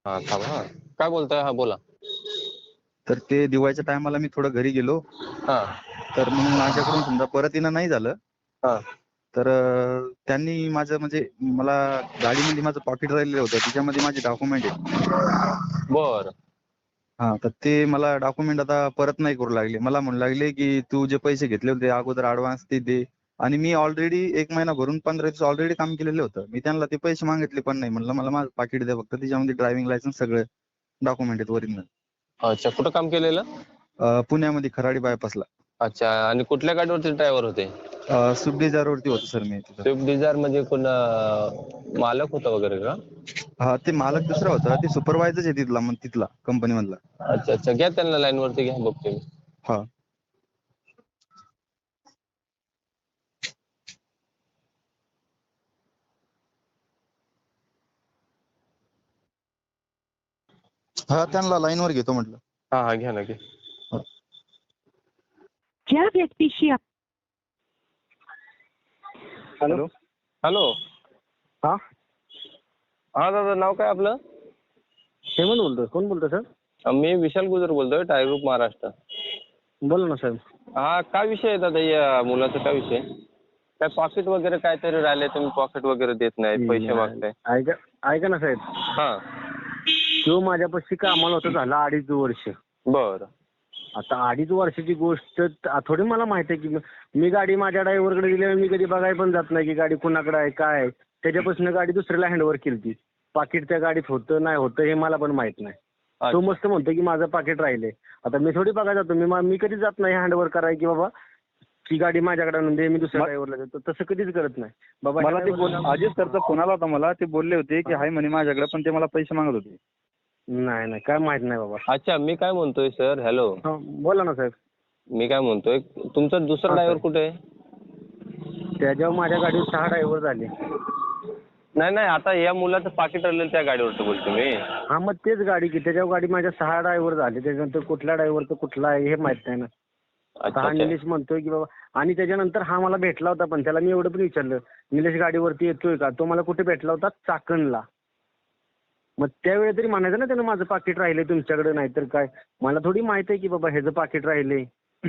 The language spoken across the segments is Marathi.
हा थांबा हा. काय बोलताय? हा बोला. तर ते दिवाळीच्या टायमाला मी थोडं घरी गेलो. हा तर मग माझ्याकडून समजा परत येणं नाही झालं. हा तर त्यांनी माझं म्हणजे मला गाडीमध्ये माझं पॉकेट राहिलेलं होतं, त्याच्यामध्ये माझे डॉक्युमेंट आहेत. बर. हा, तर ते मला डॉक्युमेंट आता परत नाही करू लागले. मला म्हणू लागले की तू जे पैसे घेतले होते अगोदर ऍडव्हान्स ते दे. आणि मी ऑलरेडी 1 महिना भरून 15 दिवस ऑलरेडी काम केलेलं होतं. मी त्यांना ते पैसे मागितले पण नाही. म्हणलं मला माझं पाकिट द्या फक्त, त्याच्यामध्ये ड्रायव्हिंग लायसन्स सगळे डॉक्युमेंट आहेत ओरिजिनल. अच्छा, कुठं काम केलेलं? पुण्यामध्ये खराडी बायपासला. अच्छा, आणि कुठल्या गाडीवरती ड्रायव्हर होते? स्विफ्ट डिझायरवरती होतो सर मी तिथं. स्विफ्ट डिझायर म्हणजे कोण मालक होता वगैरे का? हा, ते मालक दुसरा होता, ते सुपरवायझर आहे तिथला कंपनी मधला. अच्छा अच्छा, घ्या त्यांना लाईन वरती घ्या, बघतो मी. हा. हा, त्यांना लाईन वर घेतो म्हटलं. हा हा, घ्या ना घ्या. ज्या व्यक्तीशी हॅलो. हॅलो. हा, हा दादा, नाव काय आपलं? हेमंत बोलतोय. कोण बोलतोय सर? मी विशाल गुजर बोलतोय, टायर ग्रुप महाराष्ट्र. बोला ना साहेब. हा, काय विषय आहे दादा या मुलाचा? काय विषय? काय पॉकेट वगैरे काहीतरी राहिले, तुम्ही पॉकेट वगैरे देत नाही, पैसे मागताय. ऐका ना साहेब, हा. तो माझ्यापाशी कामाला होता, झाला 2.5 वर्ष. बर. आता 2.5 वर्षाची गोष्ट थोडी मला माहिती आहे की मी गाडी माझ्या ड्रायव्हरकडे दिल्यावर मी कधी बघायला पण जात नाही की गाडी कुणाकडे आहे काय आहे. त्याच्यापासून गाडी दुसऱ्याला हँडओव्हर केली. पाकिट त्या गाडीत होतं नाही होतं हे मला पण माहित नाही. तो मस्त म्हणतो की माझं पाकिट राहिले. आता मी थोडी बघायला जातो, मी कधी जात नाही हँडओव्हर कराय की बाबा की गाडी माझ्याकडे आणून दे, मी दुसऱ्या ड्रायव्हरला देतो, तसं कधीच करत नाही बाबा. मला ते अजित सरचा फोन आला होता, मला ते बोलले होते की हाय म्हणे माझ्याकडे, पण ते मला पैसे मागत होते. नाही काय माहित नाही बाबा. अच्छा, मी काय म्हणतोय सर, हॅलो. बोला ना साहेब. मी काय म्हणतोय, तुमचा दुसरा ड्रायव्हर कुठे आहे? त्याच्यावर माझ्या गाडीवर 6 ड्रायव्हर झाले. नाही नाही, आता या मुलाचं पाकिट राहिलेलं त्या गाडीवरती बोलतो मी. हा, मग तेच गाडी की त्याच्यावर गाडी माझ्या 6 ड्रायव्हर झाले. त्याच्यानंतर कुठल्या ड्रायव्हरचं कुठला आहे हे माहित नाही ना. हा निलेश म्हणतोय की बाबा, आणि त्याच्यानंतर हा मला भेटला होता, पण त्याला मी एवढं पण विचारलं निलेश गाडीवरती येतोय का? तो मला कुठे भेटला होता? चाकणला. मग त्यावेळी तरी म्हणायचं ना त्यानं माझं पाकिट राहिले तुमच्याकडे, नाहीतर काय. मला थोडी माहित आहे की बाबा ह्याचं पाकिट राहिले.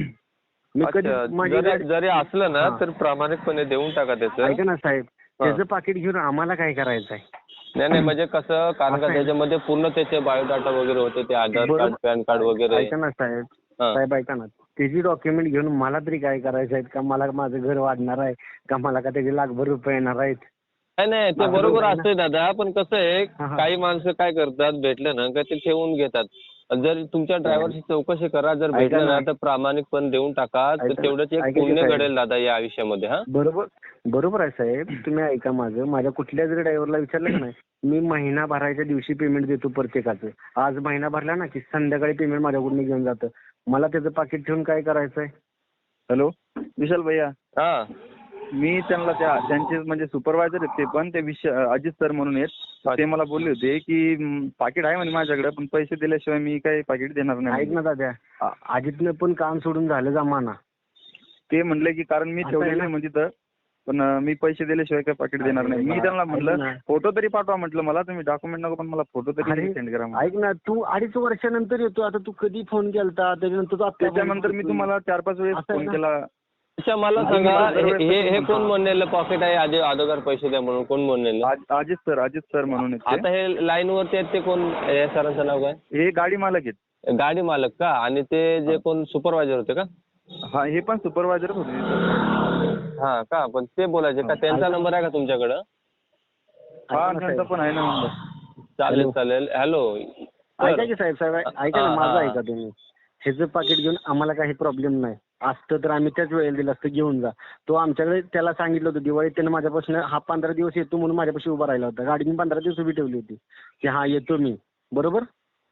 मी कधी जरी असलं ना तर प्रामाणिकपणे देऊन टाका त्याचं. ऐका ना साहेब, त्याचं पाकिट घेऊन आम्हाला काय करायचं आहे? नाही म्हणजे कसं, कारण का त्याच्यामध्ये पूर्ण त्याचे बायोडाटा वगैरे होते, ते आधार कार्ड, पॅन कार्ड वगैरे. ऐका ना साहेब ऐका ना, त्याची डॉक्युमेंट घेऊन मला तरी काय करायचं आहे का? मला माझं घर वाढणार आहे का? मला का त्याचे लाखभर रुपये येणार आहेत? नाही ते बरोबर असतंय दादा, पण कसं आहे काही माणसं काय करतात, भेटलं ना का ते ठेवून घेतात. जर तुमच्या ड्रायव्हरची चौकशी करा, जर भेटलं ना तर प्रामाणिकपणे देऊन टाका, तर तेवढंच एक पुण्य घडेल दादा या आयुष्यामध्ये. हा, बरोबर आहे साहेब. तुम्ही ऐका माझं, माझ्या कुठल्या जरी ड्रायव्हरला विचारलं की नाही, मी महिना भरायच्या दिवशी पेमेंट देतो प्रत्येकाचं. आज महिना भरला ना की संध्याकाळी पेमेंट माझ्याकडून घेऊन जातं. मला त्याचं पाकिट ठेवून काय करायचंय? हॅलो विशाल भैया. हा, मी त्यांना त्यांचे म्हणजे सुपरवायझर आहेत ते पण, ते अजित सर म्हणून आहेत. ते मला बोलले होते की पाकिट आहे म्हणे माझ्याकडे, पण पैसे दिल्याशिवाय मी काही पाकिट देणार नाही. ऐक ना दादा, अजितनं पण काम सोडून झालं जमाना. ते म्हणले की कारण मी ठेवलेलं नाही म्हणजे तर, पण मी पैसे दिल्याशिवाय काही पाकिट देणार नाही. मी त्यांना म्हटलं फोटो तरी पाठवा, म्हटलं मला तुम्ही डॉक्युमेंट नको पण मला फोटो तरी सेंड करा. ऐक ना, तू 2.5 वर्षानंतर येतो. आता तू कधी फोन केलता? त्याच्यानंतर मी तुम्हाला 4-5 वेळेस फोन केला. अच्छा, मला सांगा, हे कोण म्हणलेलं पॉकेट आहे आधी अगोदर पैसे द्या म्हणून? कोण म्हणलेलं? अजित सर म्हणून. आता हे लाईन वरती आहेत ते कोण? या सरांचं नाव काय? हे गाडी मालक आहेत. गाडी मालक का? आणि ते जे कोण सुपरवायझर होते का? हा, हे पण सुपरवायझरच होते. हा का? पण ते बोलायचे का? त्यांचा नंबर आहे का तुमच्याकडं? हा, त्यांचा पण आहे ना नंबर. चालेल. हॅलो ऐका की साहेब ऐका ना, माझं ऐका तुम्ही. ह्याचं पाकिट घेऊन आम्हाला काही प्रॉब्लेम नाही. असतं तर आम्ही त्याच वेळेला दिलं असतं, घेऊन जा. तो आमच्याकडे त्याला सांगितलं होतं दिवाळीत, त्यानं माझ्यापासून 15 दिवस येतो म्हणून माझ्यापाशी उभा राहिला होता. गाडी मी 15 दिवस उभी ठेवली होती की हा येतो मी. बरोबर,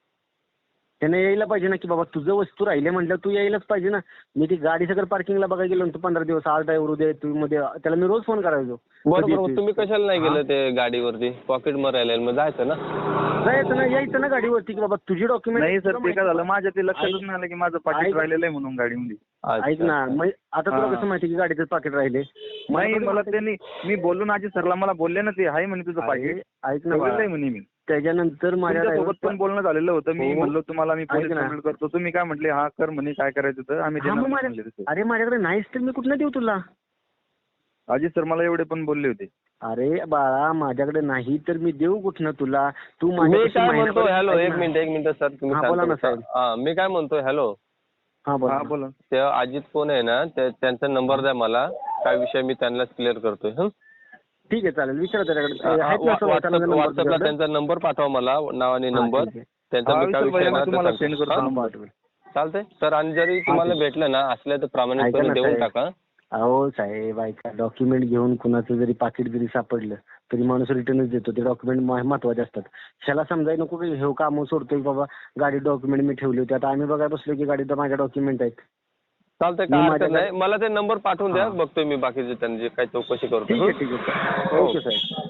त्याने यायला पाहिजे ना की बाबा तुझं वस्तू राहिले म्हटलं तू यायलाच पाहिजे ना. मी ती गाडी सगळं पार्किंगला बघायला गेलो होतो 15 दिवस. आज ड्रायव्हर उद्या येतो मध्ये, त्याला मी रोज फोन करायचो. बरोबर, तुम्ही कशाला नाही गेलं ते गाडीवरती? पॉकेट मरायला मग जायचं ना, यायचं ना गाडीवरती की बाबा तुझी डॉक्युमेंट. नाही सर, ते काय झालं माझ्या ते लक्षातच नाही आलं की माझं पाकिट राहिलेलं आहे म्हणून गाडीमध्ये. ऐक ना, मग आता तुला कसं माहिती की गाडीचं पाकिट राहिले? नाही, मला त्यांनी, मी बोललो ना अजित सरला, मला बोलले ना ते आहे म्हणे तुझं पाकिट. ऐक ना म्हणे मी त्याच्यानंतर माझ्या तुमच्यासोबत पण बोलणं झालेलं होतं. मी हो. म्हणलो तुम्हाला मी पोलीस ऐक ना. कंप्लेंट करतो. तुम्ही काय म्हटले, हा कर म्हणे, काय करायचं तर आम्ही हा, देणार मग नाही म्हणले तसे. अरे माझ्याकडे नाहीच तर मी कुठनं देऊ तुला? अजित सर मला एवढे पण बोलले होते. अरे बाळा, माझ्याकडे नाही तर मी देऊ कुठनं तुला? तू मी माझ्यापाशी काय म्हणतो, महिनाभर- हॅलो, ऐक एक ना. मिनिट सर, तुम्ही हा, बोला ना, शांत साहेब. बसा. मी काय म्हणतोय, हॅलो, हा, बोला हा ना. बोला. ते अजित कोण आहे ना, त्यांचा नंबर द्या मला. काय विषय मी त्यांना क्लिअर करतोय. ठीक आहे, चालेल. विचारा त्याच्याकडे. आहेत ना सोबत number व्हॉट्सअपला तुझ्याकडे? त्यांचा नंबर पाठवा मला, नाव आणि हा, नंबर. ठीक आहे. त्यांचा हा, मी काय विसर विषय भैया, ना मी ते तुम्हाला सांगतो. सेंड करतो हा? नंबर. पाठवेल. चालतंय सर. आणि जरी तुम्हाला ठीक. भेटलं ना असलं तर ऐका प्रामाणिकपणे ना देऊन साहेब. टाका. अहो साहेब, ऐका, डॉक्युमेंट घेऊन कुणाचं जरी पाकिट जरी सापडलं तरी माणूस रिटर्नच देतो. ते डॉक्युमेंट महत्वाचे असतात. ह्याला समजायला नको की हे काम सोडतोय बाबा, गाडी डॉक्युमेंट मी ठेवली होती. आता आम्ही बघायला बसलो की गाडीत माझ्या डॉक्युमेंट आहेत. चालतंय, मी काय हरकत माझ्याकडे- नाही. मला ते नंबर पाठवून द्या, हा. बघतोय मी बाकीचे त्यांची काय चौकशी करतो. ठीक आहे, ठीक आहे. हो. ओके साहेब.